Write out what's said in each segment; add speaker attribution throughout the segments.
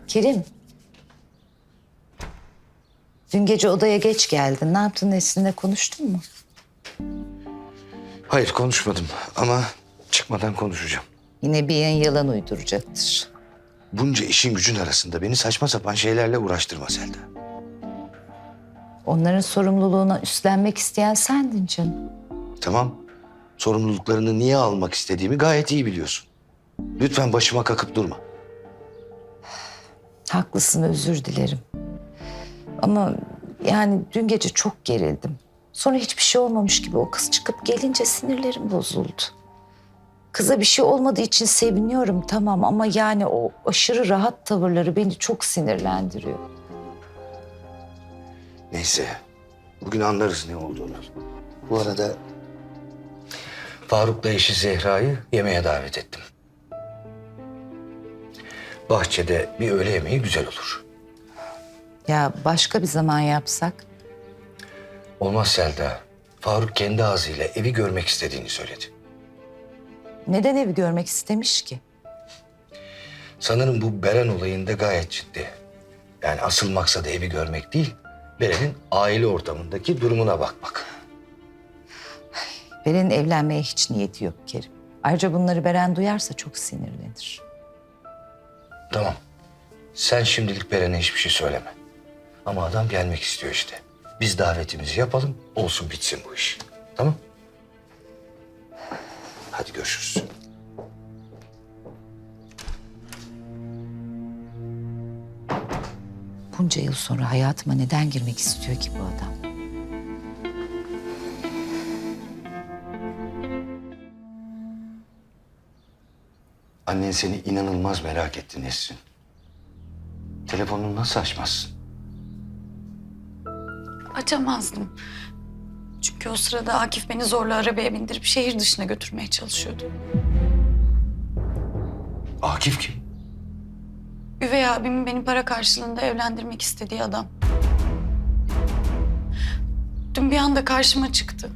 Speaker 1: Kerim. Dün gece odaya geç geldin. Ne yaptın, Nesrin'le konuştun mu?
Speaker 2: Hayır konuşmadım ama çıkmadan konuşacağım.
Speaker 1: Yine bir yalan uyduracaktır.
Speaker 2: Bunca işin gücün arasında beni saçma sapan şeylerle uğraştırma Selda.
Speaker 1: Onların sorumluluğuna üstlenmek isteyen sendin canım.
Speaker 2: Tamam. Sorumluluklarını niye almak istediğimi gayet iyi biliyorsun. Lütfen başıma kakıp durma.
Speaker 1: Haklısın, özür dilerim. Ama yani dün gece çok gerildim. Sonra hiçbir şey olmamış gibi o kız çıkıp gelince sinirlerim bozuldu. Kıza bir şey olmadığı için seviniyorum tamam ama yani o aşırı rahat tavırları beni çok sinirlendiriyor.
Speaker 2: Neyse. Bugün anlarız ne olduğunu. Bu arada Faruk'la eşi Zehra'yı yemeğe davet ettim. Bahçede bir öğle yemeği güzel olur.
Speaker 1: Ya başka bir zaman yapsak?
Speaker 2: Olmaz Selda. Faruk kendi ağzıyla evi görmek istediğini söyledi.
Speaker 1: Neden evi görmek istemiş ki?
Speaker 2: Sanırım bu Beren olayında gayet ciddi. Yani asıl maksadı evi görmek değil, Beren'in aile ortamındaki durumuna bakmak.
Speaker 1: Beren'in evlenmeye hiç niyeti yok Kerim. Ayrıca bunları Beren duyarsa çok sinirlenir.
Speaker 2: Tamam. Sen şimdilik Beren'e hiçbir şey söyleme. Ama adam gelmek istiyor işte. Biz davetimizi yapalım, olsun bitsin bu iş. Tamam? Hadi görüşürüz.
Speaker 1: Bunca yıl sonra hayatıma neden girmek istiyor ki bu adam?
Speaker 2: Annen seni inanılmaz merak etti Nesrin. Telefonunu nasıl açmazsın?
Speaker 3: Açamazdım. Çünkü o sırada Akif beni zorla arabaya bindirip şehir dışına götürmeye çalışıyordu.
Speaker 2: Akif kim?
Speaker 3: Üvey abimin beni para karşılığında evlendirmek istediği adam. Dün bir anda karşıma çıktı.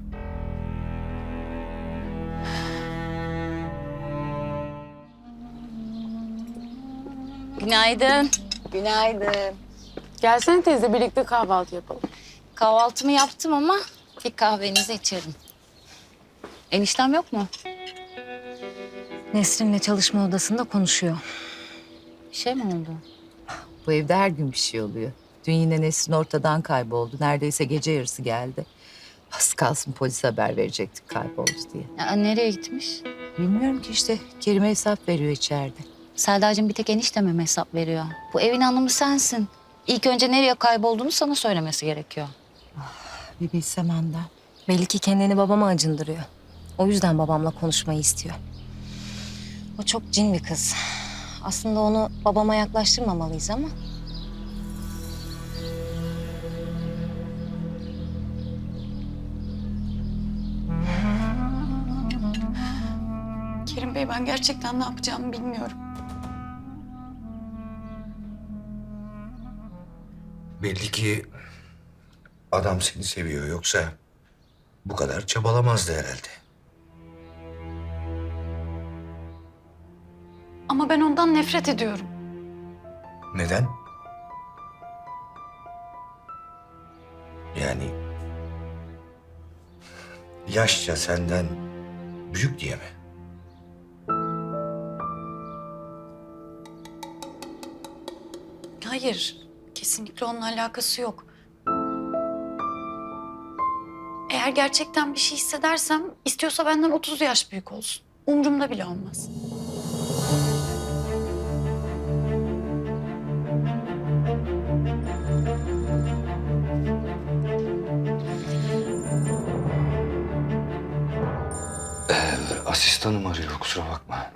Speaker 4: Günaydın.
Speaker 5: Günaydın.
Speaker 4: Gelsene teyze birlikte kahvaltı yapalım.
Speaker 5: Kahvaltımı yaptım ama bir kahvenizi içerim.
Speaker 4: Eniştem yok mu?
Speaker 5: Nesrin'le çalışma odasında konuşuyor. Bir şey mi oldu?
Speaker 1: Bu evde her gün bir şey oluyor. Dün yine Nesrin ortadan kayboldu. Neredeyse gece yarısı geldi. Az kalsın polise haber verecektik kayboldu diye.
Speaker 5: Ya, nereye gitmiş?
Speaker 1: Bilmiyorum ki işte Kerim'e hesap veriyor içeride.
Speaker 5: Selda'cığım bir tek enişteme mi hesap veriyor? Bu evin hanımı sensin. İlk önce nereye kaybolduğunu sana söylemesi gerekiyor.
Speaker 1: Bir bilsem Handan.
Speaker 6: Belli ki kendini babama acındırıyor. O yüzden babamla konuşmayı istiyor. O çok cin bir kız. Aslında onu babama yaklaştırmamalıyız ama...
Speaker 3: Kerim Bey ben gerçekten ne yapacağımı bilmiyorum.
Speaker 2: Belli ki adam seni seviyor, yoksa bu kadar çabalamazdı herhalde.
Speaker 3: Ama ben ondan nefret ediyorum.
Speaker 2: Neden? Yani yaşça senden büyük diye mi?
Speaker 3: Hayır, kesinlikle onunla alakası yok. Eğer gerçekten bir şey hissedersem, istiyorsa benden 30 yaş büyük olsun. Umrumda bile olmaz.
Speaker 2: Asistanım arıyor, kusura bakma.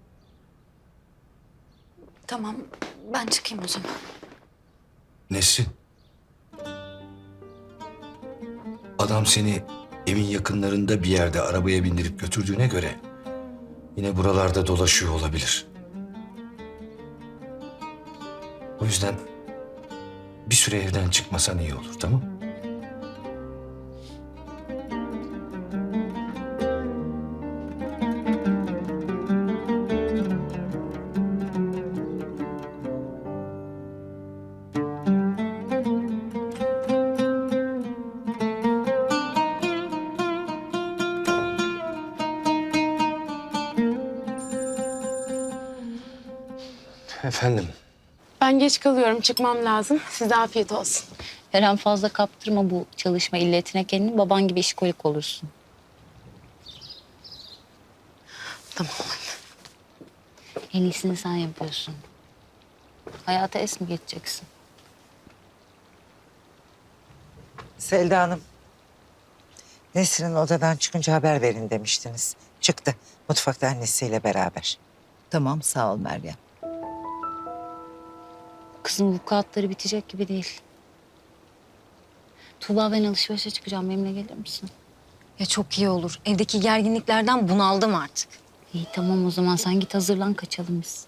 Speaker 3: Tamam, ben çıkayım o zaman.
Speaker 2: Nesrin? Adam seni evin yakınlarında bir yerde arabaya bindirip götürdüğüne göre yine buralarda dolaşıyor olabilir. O yüzden bir süre evden çıkmasan iyi olur, tamam? Efendim?
Speaker 4: Ben geç kalıyorum. Çıkmam lazım. Size afiyet olsun.
Speaker 5: Her fazla kaptırma bu çalışma illetine kendini. Baban gibi işkolik olursun.
Speaker 4: Tamam.
Speaker 5: En iyisini sen yapıyorsun. Hayata es mi geçeceksin?
Speaker 7: Selda Hanım. Nesrin'in odadan çıkınca haber verin demiştiniz. Çıktı. Mutfakta annesiyle beraber.
Speaker 1: Tamam sağ ol Meryem.
Speaker 5: Kızın vukuatları bitecek gibi değil. Tuğba ben alışverişe çıkacağım. Benimle gelir misin?
Speaker 6: Ya çok iyi olur. Evdeki gerginliklerden bunaldım artık.
Speaker 5: İyi tamam o zaman sen git hazırlan kaçalım biz.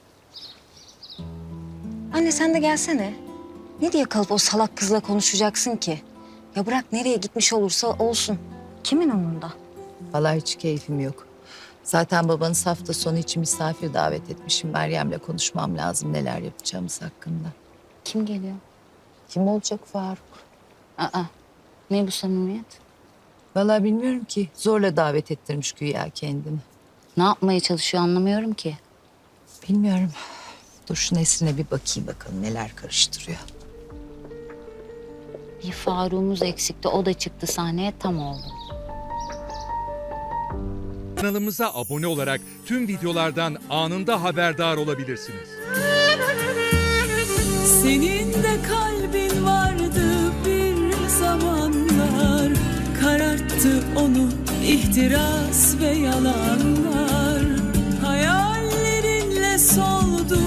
Speaker 6: Anne sen de gelsene. Ne diye kalıp o salak kızla konuşacaksın ki? Ya bırak nereye gitmiş olursa olsun. Kimin umurunda?
Speaker 1: Vallahi hiç keyfim yok. Zaten babanız hafta sonu için misafir davet etmişim. Meryem'le konuşmam lazım neler yapacağımız hakkında.
Speaker 5: Kim geliyor?
Speaker 1: Kim olacak Faruk?
Speaker 5: Aa, ne bu samimiyet?
Speaker 1: Vallahi bilmiyorum ki. Zorla davet ettirmiş güya kendini.
Speaker 5: Ne yapmaya çalışıyor anlamıyorum ki.
Speaker 1: Bilmiyorum. Dur şu Nesrin'e bir bakayım bakalım neler karıştırıyor.
Speaker 5: Bir Faruk'umuz eksikti. O da çıktı sahneye tam oldu.
Speaker 8: Kanalımıza abone olarak tüm videolardan anında haberdar olabilirsiniz.
Speaker 9: Senin de kalbin vardı bir zamanlar, kararttı onu ihtiras ve yalanlar. Hayallerinle soldu